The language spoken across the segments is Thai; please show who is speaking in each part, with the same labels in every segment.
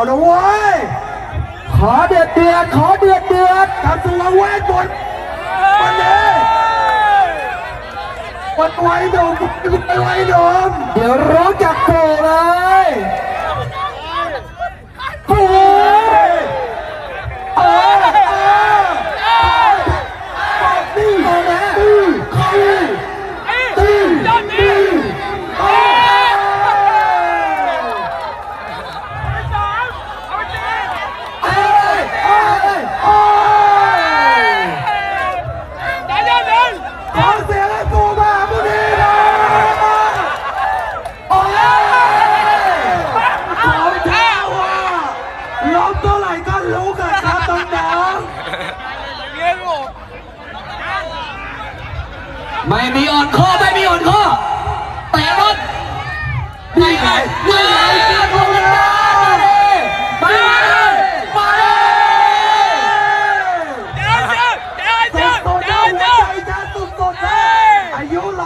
Speaker 1: นะเว้ย
Speaker 2: ขอเดือดเดือดขอเดือดเดือด
Speaker 1: กระทรวงเวทมนต์วันนี้วันไว้ดมไว้ดม
Speaker 2: เดี๋ยวร้องจากโผล่เลย
Speaker 1: โอ้ยนี่โอ้แม่
Speaker 2: ไม่มีอ่อนข้อไม่มีอ่อนข้อแต่รถนี่ไงนี่ไงเสียงลงกันมาเลยมาเลย
Speaker 1: อายุ102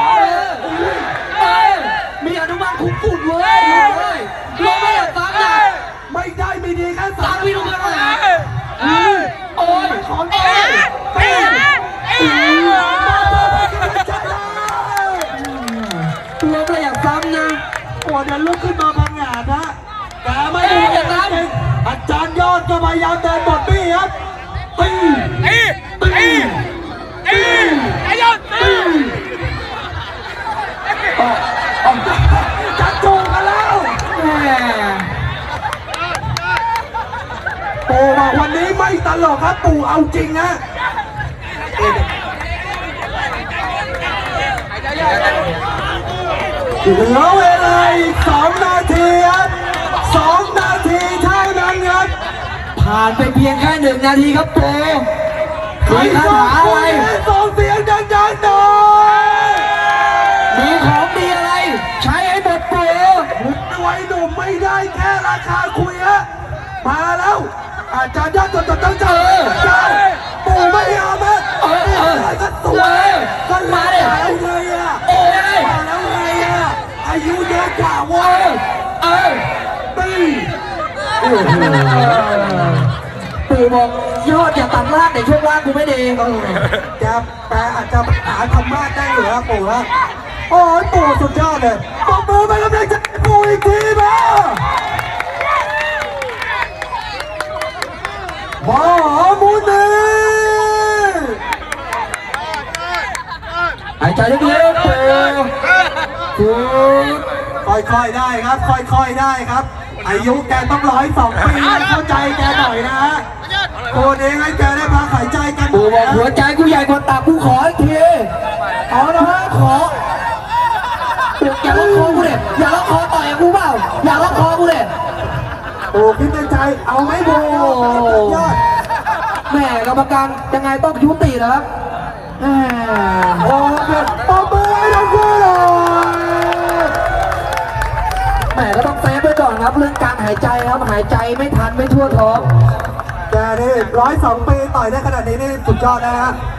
Speaker 2: มีอนุบาลคุ้มฝุ่นเว้ยลงไม่อยากฟังนะ
Speaker 1: ไม่ได้ไม่ดีแค่
Speaker 2: สามวิลงมาเลยโอ้ยของเองตัวก็อยากซ้ำนะ
Speaker 1: โอ้เดี๋ยวลุกขึ้นมาพังงาดนะแต่ไม่ได้อาจารย์ยอดก็พยายามเดินบทบี้ครับตีจัดจูงกันแล้วปู่บอกวันนี้ไม่ตลกครับปู่เอาจริงนะเหลือเวลาอีก2 นาทีครับ2 นาทีเท่านั้นครับ
Speaker 2: ผ่านไปเพียงแค่1 นาทีครับโปมีคาถาอะไร
Speaker 1: ส่งเสียงดังๆหน่อย
Speaker 2: มีของดีอะไรใช้ให้หมดโป
Speaker 1: ไว้หนุ่มไม่ได้แค่ราคาคุยฮะมาแล้วอาจารย์ยอดจดตั้งใจปู่ไม่ยอมฮะก็สวยก็มาแล้วไงอ่ะมาแล้วไงอ่ะอายุเยอะกว่าเว้ยตี
Speaker 2: ปู่บอกยอดอย่าตัดล่างในช่วงล่างกูไม่ดี
Speaker 1: แกแปลอาจจะหาธรรมะได้เหรอปู่ฮะโอ้ยปู่สุดยอดเลยปรบมือไปกำลังใจปู่อีกทีมาหมุนี
Speaker 2: หายใจลึกๆปู่
Speaker 1: ค่อยๆได้ครับค่อยๆได้ครับอายุแกต้อง102 ปีเข้าใจแกหน่อยนะฮะคนเองให้แกได้พักหายใจกัน
Speaker 2: ปู่บอกหัวใจกูใหญ่กว่าตับกูขออีกที
Speaker 1: เอานะฮะขอ
Speaker 2: อย่าล็อกคอกูเลยอย่าล็อกคอต่อยกูเปล่าอย่าล็อกคอกูเลย
Speaker 1: โอ้คิดในใจเอาไหมโบยอด
Speaker 2: แม่กรรมการยังไงต้องยุตินะครับ
Speaker 1: โอ้เด็ดปอบมือให้ทั้งคู่เลย
Speaker 2: แม่ก็ต้องเซฟไว้ก่อนครับเรื่องการหายใจครับหายใจไม่ทันไม่ทั่วท้อง
Speaker 1: แกนี่102 ปีต่อยได้ขนาดนี้นี่สุดยอดนะฮะ